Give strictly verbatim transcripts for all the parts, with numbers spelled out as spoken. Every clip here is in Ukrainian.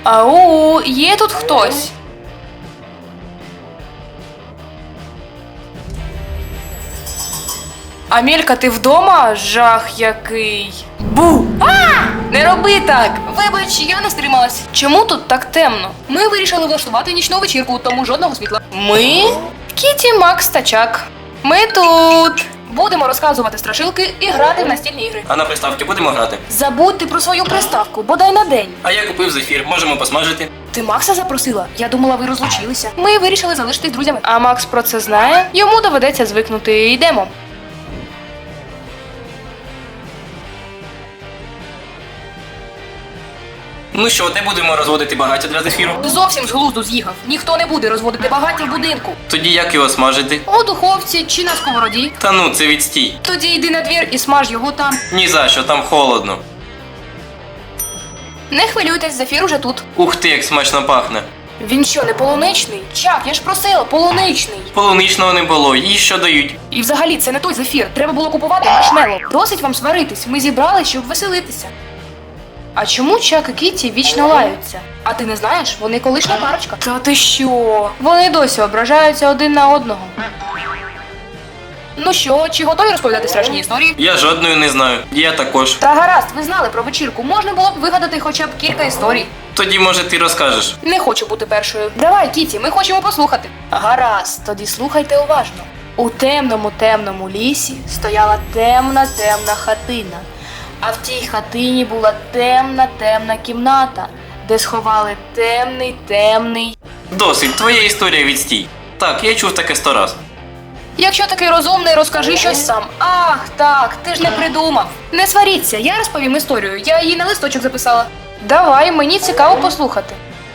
Ау, є тут хтось? Амелька, ти вдома? Жах який. Бу! А! Не роби так! Вибач, я не стрималась. Чому тут так темно? Ми вирішили влаштувати нічну вечірку, тому жодного світла. Ми? Кіті, Макс та Чак. Ми тут. Будемо розказувати страшилки і грати в настільні ігри. А на приставки будемо грати? Забудьте про свою приставку, бодай на день. А я купив зефір, можемо посмажити. Ти Макса запросила? Я думала, ви розлучилися. Ми вирішили залишитись друзями. А Макс про це знає? Йому доведеться звикнути. Йдемо. Ну що, де будемо розводити багаття для зефіру? Ти зовсім з глузду з'їхав. Ніхто не буде розводити багаття в будинку. Тоді як його смажити? У духовці чи на сковороді. Та ну, це відстій. Тоді йди на двір і смаж його там. Ні за що, там холодно. Не хвилюйтесь, зефір уже тут. Ух ти, як смачно пахне. Він що, не полуничний? Чак, я ж просила, полуничний. Полуничного не було, їй що дають? І взагалі це не той зефір. Треба було купувати маршмеллоу. Досить вам сваритись. Ми зібрали, щоб веселитися. А чому Чак і Кіті вічно лаються? А ти не знаєш, вони колишня парочка. Та ти що? Вони досі ображаються один на одного. Ну що, чи готові розповідати страшні історії? Я жодної не знаю. Я також. Та гаразд, ви знали про вечірку. Можна було б вигадати хоча б кілька історій. Тоді, може, ти розкажеш. Не хочу бути першою. Давай, Кіті, ми хочемо послухати. Гаразд, тоді слухайте уважно. У темному темному лісі стояла темна темна хатина. А в тій хатині була темна темна кімната, де сховали темний темний. Досить, твоя історія відстій. Так, я чув таке сто раз. Якщо такий розумний, розкажи щось сам. Ах, так, ти ж не придумав. Не сваріться, я розповім історію. Я її на листочок записала. Давай, мені цікаво послухати.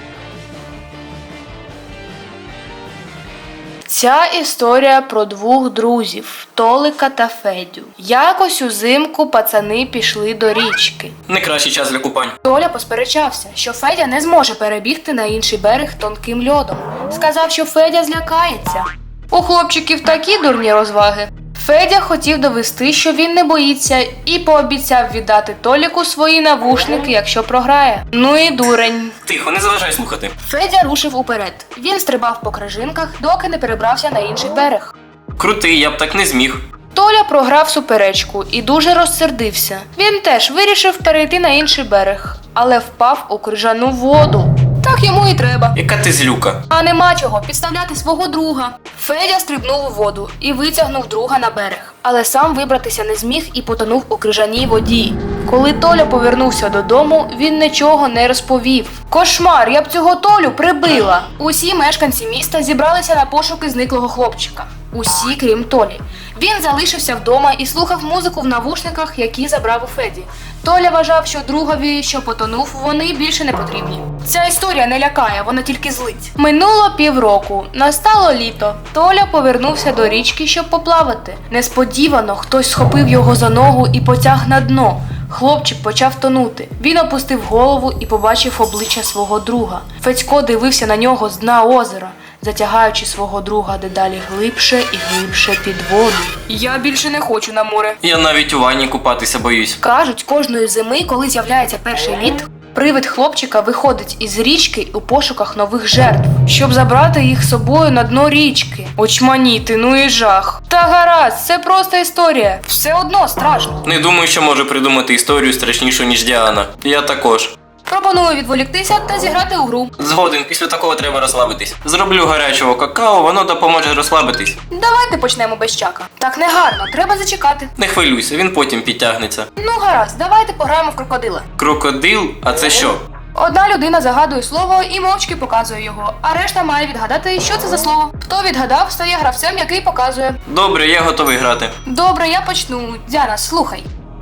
Ця історія про двох друзів Толика та Федю. Якось узимку пацани пішли до річки. Не кращий час для купань. Толя посперечався, що Федя не зможе перебігти на інший берег тонким льодом. Сказав, що Федя злякається. У хлопчиків такі дурні розваги. Федя хотів довести, що він не боїться, і пообіцяв віддати Толіку свої навушники, якщо програє. Ну і дурень. Тихо, не заважай слухати. Федя рушив уперед. Він стрибав по крижинках, доки не перебрався на інший берег. Крутий, я б так не зміг. Толя програв суперечку і дуже розсердився. Він теж вирішив перейти на інший берег, але впав у крижану воду. Так йому і треба. Яка ти злюка. А нема чого підставляти свого друга. Федя стрибнув у воду і витягнув друга на берег. Але сам вибратися не зміг і потонув у крижаній воді. Коли Толя повернувся додому, він нічого не розповів. Кошмар, я б цього Толю прибила! Усі мешканці міста зібралися на пошуки зниклого хлопчика. Усі, крім Толі. Він залишився вдома і слухав музику в навушниках, які забрав у Феді. Толя вважав, що другові, що потонув, вони більше не потрібні. Ця історія не лякає, вона тільки злить. Минуло півроку, настало літо. Толя повернувся до річки, щоб поплавати. Несподівано хтось схопив його за ногу і потяг на дно. Хлопчик почав тонути. Він опустив голову і побачив обличчя свого друга. Федько дивився на нього з дна озера, затягаючи свого друга дедалі глибше і глибше під воду. Я більше не хочу на море. Я навіть у ванні купатися боюсь. Кажуть, кожної зими, коли з'являється перший лід, привид хлопчика виходить із річки у пошуках нових жертв, щоб забрати їх з собою на дно річки. Очманіти, ну і жах. Та гаразд, це просто історія. Все одно страшно. Не думаю, що можу придумати історію страшнішу, ніж Діана. Я також. Пропоную відволіктися та зіграти у гру. Згоден, після такого треба розслабитись. Зроблю гарячого какао, воно допоможе розслабитись. Давайте почнемо без Чака. Так не гарно, треба зачекати. Не хвилюйся, він потім підтягнеться. Ну гаразд, давайте пограємо в крокодила. Крокодил? А це що? Одна людина загадує слово і мовчки показує його, а решта має відгадати, що це за слово. Хто відгадав, стає гравцем, який показує. Добре, я готовий грати. Добре, я почну. Діана, слухай.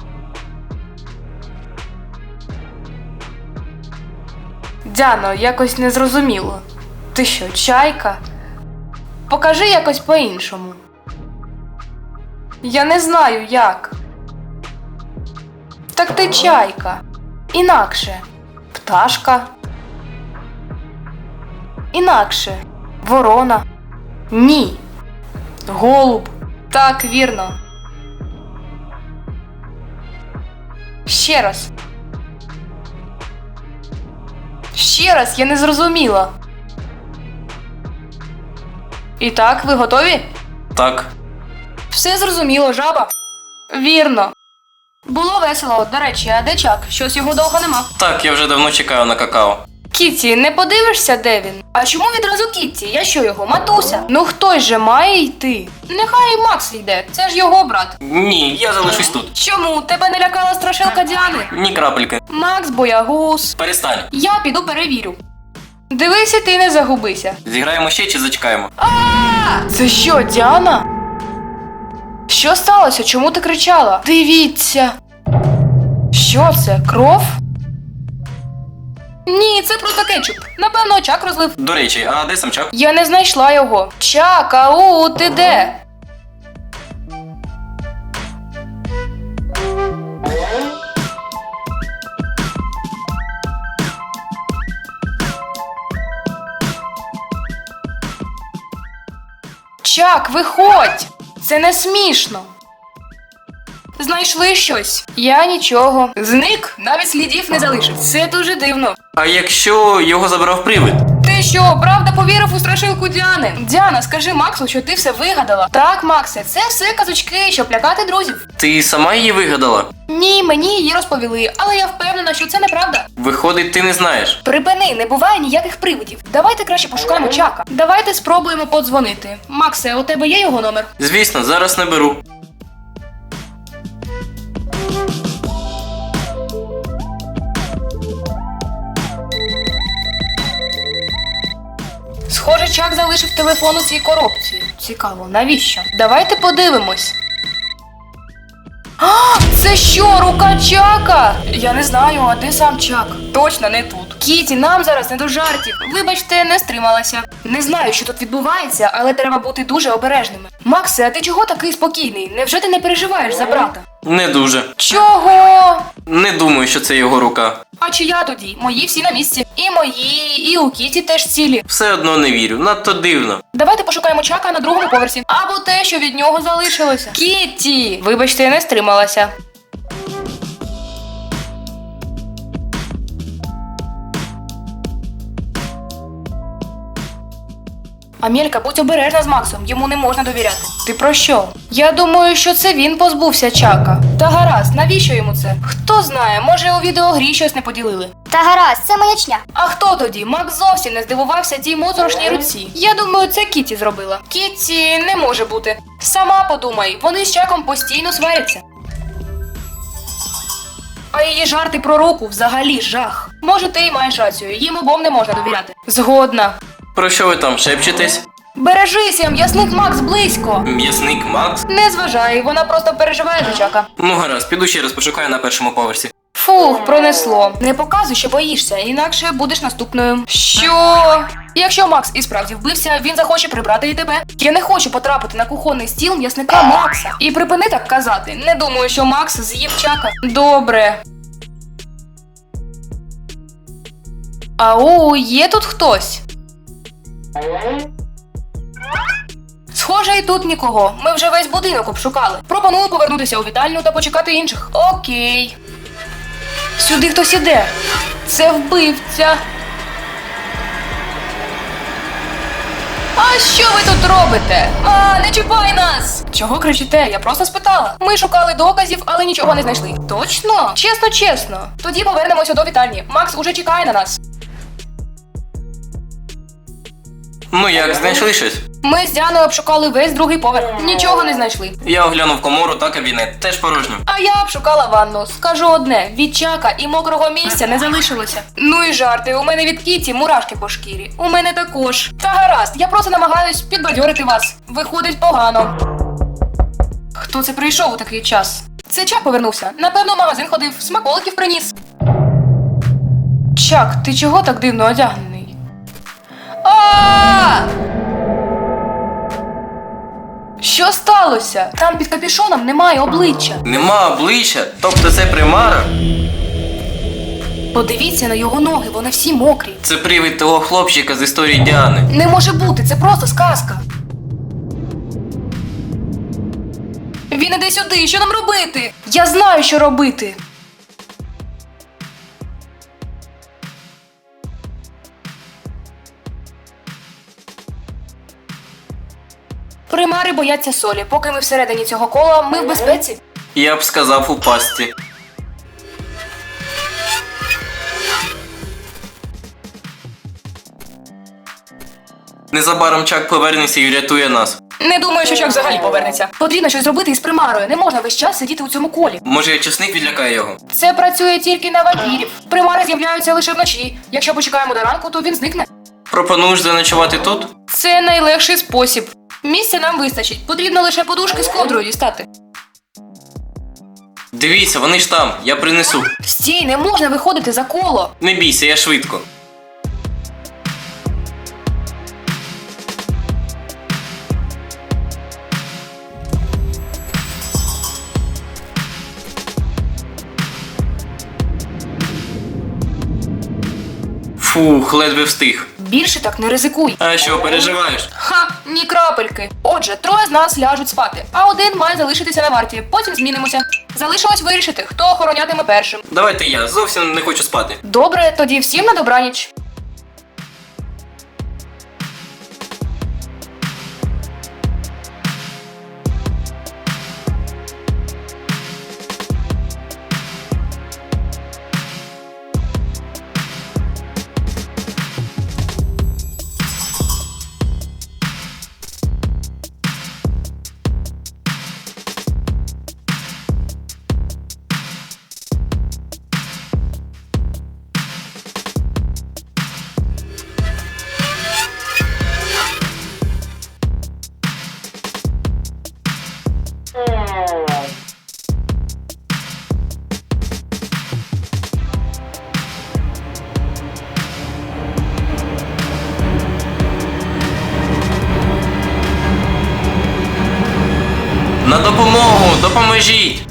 Дяно, якось незрозуміло. Ти що, чайка? Покажи якось по-іншому. Я не знаю, як. Так ти чайка. Інакше. Пташка. Інакше. Ворона. Ні. Голуб. Так, вірно. Ще раз. Ще раз, я не зрозуміла. І так, ви готові? Так. Все зрозуміло, жаба. Вірно. Було весело. До речі, а де Чак? Щось його довго нема. Так, я вже давно чекаю на какао. Кіті, не подивишся, де він? А чому відразу Кітті? Я що його, матуся? Ну хтось же має йти. Нехай Макс йде, це ж його брат. Ні, я залишусь тут. Чому? Тебе не лякала страшилка Діани? Ні крапельки. Макс боягуз. Перестань. Я піду перевірю. Дивися, ти не загубися. Зіграємо ще чи зачекаємо? Це що, Діана? Що сталося? Чому ти кричала? Дивіться. Що це? Кров? Ні, це просто кетчуп. Напевно, Чак розлив. До речі, а де сам Чак? Я не знайшла його. Чак, ау, ти де? Чак, виходь! Це не смішно. Знайшли щось. Я нічого. Зник, навіть слідів не залишив. Це дуже дивно. А якщо його забрав привид? Ти що, правда повірив у страшилку Діани? Діана, скажи Максу, що ти все вигадала. Так, Максе, Це все казочки, щоб лякати друзів. Ти сама її вигадала? Ні, мені її розповіли, але я впевнена, що це неправда. Виходить, ти не знаєш. Припини, не буває ніяких привидів. Давайте краще пошукаємо Чака. Давайте спробуємо подзвонити. Максе, у тебе є його номер? Звісно, зараз не беру. Схоже, Чак залишив телефон у цій коробці. Цікаво, навіщо? Давайте подивимось. А, це що, рука Чака? Я не знаю, а де сам Чак? Точно не тут. Кіті, нам зараз не до жартів. Вибачте, не стрималася. Не знаю, що тут відбувається, але треба бути дуже обережними. Максе, а ти чого такий спокійний? Невже ти не переживаєш за брата? Не дуже. Чого? Не думаю, що це його рука. А чи я тоді? Мої всі на місці. І мої, і у Кіті теж цілі. Все одно не вірю, надто дивно. Давайте пошукаємо Чака на другому поверсі. Або те, що від нього залишилося. Кітті! Вибачте, я не стрималася. Амелька, будь обережна з Максом, йому не можна довіряти. Ти про що? Я думаю, що це він позбувся Чака. Та гаразд, навіщо йому це? Хто знає, може у відеогрі щось не поділили. Та гаразд, це маячня. А хто тоді? Макс зовсім не здивувався тій моторошній руці. Я думаю, це Кіті зробила. Кіті не може бути. Сама подумай, вони з Чаком постійно сваряться. А її жарти про руку взагалі жах. Може, ти й маєш рацію, їм обом не можна довіряти. Згодна. Про що ви там шепчетесь? Бережися, м'ясник Макс близько. М'ясник Макс? Не зважай, вона просто переживає за Чака. Ну гаразд, піду ще раз пошукаю на першому поверсі. Фух, пронесло. Не показуй, що боїшся, інакше будеш наступною. Що? Якщо Макс і справді вбився, він захоче прибрати і тебе. Я не хочу потрапити на кухонний стіл м'ясника Макса. І припини так казати. Не думаю, що Макс з'їв Чака. Добре. Ау, є тут хтось? Схоже, і тут нікого. Ми вже весь будинок обшукали. Пропоную повернутися у вітальню та почекати інших. Окей. Сюди хтось іде. Це вбивця. А що ви тут робите? А, не чіпай нас! Чого кричите? Я просто спитала. Ми шукали доказів, але нічого не знайшли. Точно? Чесно, чесно. Тоді повернемося до вітальні. Макс уже чекає на нас. Ну як, знайшли щось? Ми з Діаною обшукали весь другий поверх. Нічого не знайшли. Я оглянув комору та кабінет, теж порожньо. А я обшукала ванну. Скажу одне, від Чака і мокрого місця не залишилося. Ну і жарти, у мене від Кіті мурашки по шкірі. У мене також. Та гаразд, я просто намагаюсь підбадьорити вас. Виходить погано. Хто це прийшов у такий час? Це Чак повернувся. Напевно, в магазин ходив, смаколиків приніс. Чак, ти чого так дивно одягнений? А! Що сталося? Там під капюшоном немає обличчя. Нема обличчя, тобто це примара? Подивіться на його ноги, вони всі мокрі. Це привид того хлопчика з історії Діани. Не може бути, це просто сказка. Він іде сюди, що нам робити? Я знаю, що робити. Тепер бояться солі. Поки ми всередині цього кола, ми в безпеці. Я б сказав у пастці. Незабаром Чак повернеться і врятує нас. Не думаю, що Чак взагалі повернеться. Потрібно щось зробити із примарою. Не можна весь час сидіти у цьому колі. Може, часник відлякає його? Це працює тільки на вампірів. Примари з'являються лише вночі. Якщо почекаємо до ранку, то він зникне. Пропонуєш заночувати тут? Це найлегший спосіб. Місця нам вистачить. Потрібно лише подушки з ковдрою дістати. Дивіться, вони ж там, я принесу. Стій, не можна виходити за коло. Не бійся, я швидко. Фух, ледве встиг. Більше так не ризикуй. А що, переживаєш? Ха, ні крапельки. Отже, троє з нас ляжуть спати, а один має залишитися на варті. Потім змінимося. Залишилось вирішити, хто охоронятиме першим. Давайте я, зовсім не хочу спати. Добре, тоді всім на добраніч. На допомогу, допоможіть!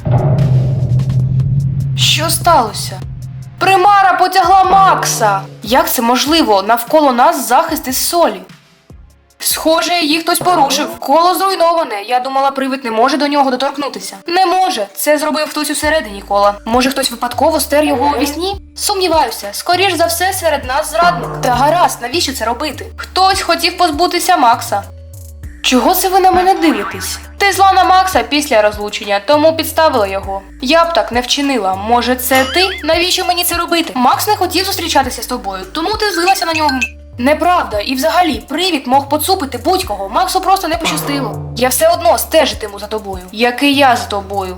Що сталося? Примара потягла Макса! Як це можливо? Навколо нас захист із солі. Схоже, її хтось порушив. Коло зруйноване. Я думала, привид не може до нього доторкнутися. Не може. Це зробив хтось усередині кола. Може, хтось випадково стер його у вісні? Сумніваюся. Скоріш за все, серед нас зрадник. Та гаразд, навіщо це робити? Хтось хотів позбутися Макса. Чого це ви на мене дивитесь? Ти зла на Макса після розлучення, тому підставила його. Я б так не вчинила. Може, це ти? Навіщо мені це робити? Макс не хотів зустрічатися з тобою, тому ти злилася на нього. Неправда, і взагалі, привід мог поцупити будь-кого, Максу просто не пощастило. Я все одно стежитиму за тобою. Як і я з тобою.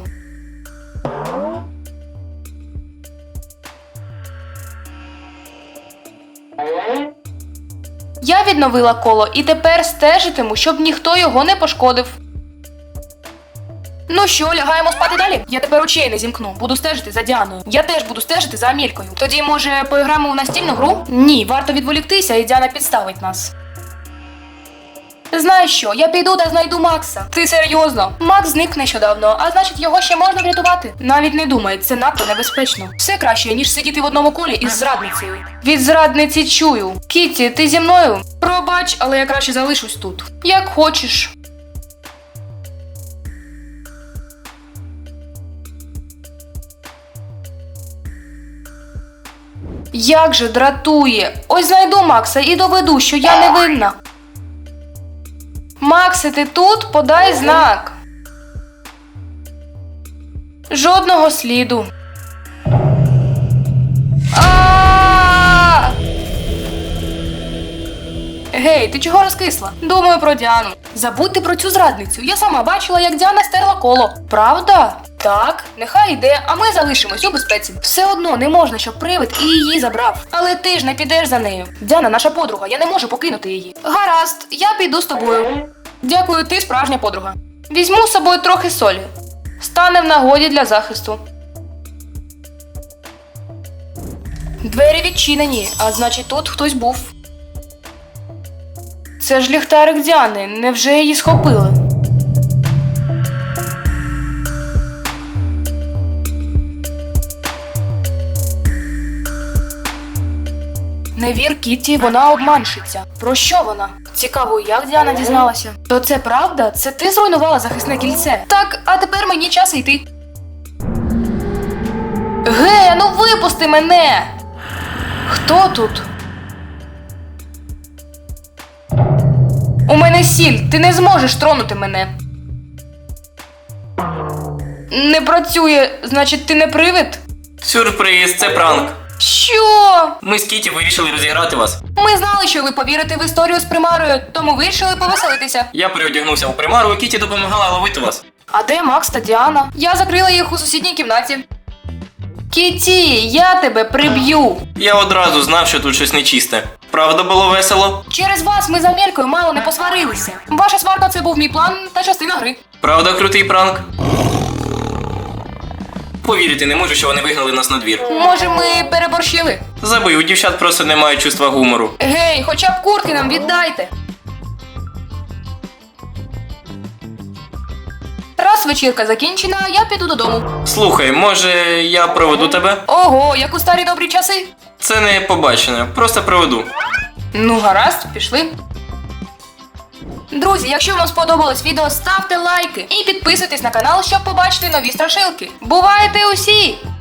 Я відновила коло і тепер стежитиму, щоб ніхто його не пошкодив. Ну що, лягаємо спати далі? Я тепер очей не зімкну. Буду стежити за Діаною. Я теж буду стежити за Амількою. Тоді, може, поіграємо в настільну гру? Ні, варто відволіктися, і Діана підставить нас. Знаєш що, я піду та знайду Макса. Ти серйозно? Макс зник нещодавно, а значить його ще можна врятувати. Навіть не думай, це надто небезпечно. Все краще, ніж сидіти в одному колі із зрадницею. Від зрадниці чую. Кітті, ти зі мною? Пробач, але я краще залишусь тут. Як хочеш. Як же дратує. Ось знайду Макса і доведу, що я не винна. Максе, ти тут? Подай знак. Жодного сліду. А! Гей, ти чого розкисла? Думаю про Діану. Забудьте про цю зрадницю. Я сама бачила, як Діана стерла коло. Правда? Так, нехай йде, а ми залишимось у безпеці. Все одно не можна, щоб привид і її забрав. Але ти ж не підеш за нею. Діана наша подруга, я не можу покинути її. Гаразд, я піду з тобою. Дякую, ти справжня подруга. Візьму з собою трохи солі. Стане в нагоді для захисту. Двері відчинені, а значить тут хтось був. Це ж ліхтарик Діани, невже її схопили? Не вір Кітті, вона обманщиця. Про що вона? Цікаво, як Діана дізналася? То це правда? Це ти зруйнувала захисне кільце? Так, а тепер мені час йти. Ге, ну випусти мене! Хто тут? У мене сіль, ти не зможеш тронути мене. Не працює, значить ти не привид? Сюрприз, це пранк. Що? Ми з Кіті вирішили розіграти вас. Ми знали, що ви повірите в історію з примарою, тому вирішили повеселитися. Я переодягнувся у примару, і Кіті допомагала ловити вас. А де Макс та Діана? Я закрила їх у сусідній кімнаті. Кіті, я тебе приб'ю. Я одразу знав, що тут щось нечисте. Правда, було весело? Через вас ми з Амелькою мало не посварилися. Ваша сварка це був мій план та частина гри. Правда, крутий пранк? Повірити не можу, що вони вигнали нас на двір. Може, ми переборщили? Забий, у дівчат просто немає чувства гумору. Гей, хоча б куртки нам віддайте. Раз вечірка закінчена, я піду додому. Слухай, може я проведу тебе? Ого, як у старі добрі часи. Це не побачення, просто проведу. Ну гаразд, пішли. Друзі, якщо вам сподобалось відео, ставте лайки і підписуйтесь на канал, щоб побачити нові страшилки. Бувайте усі!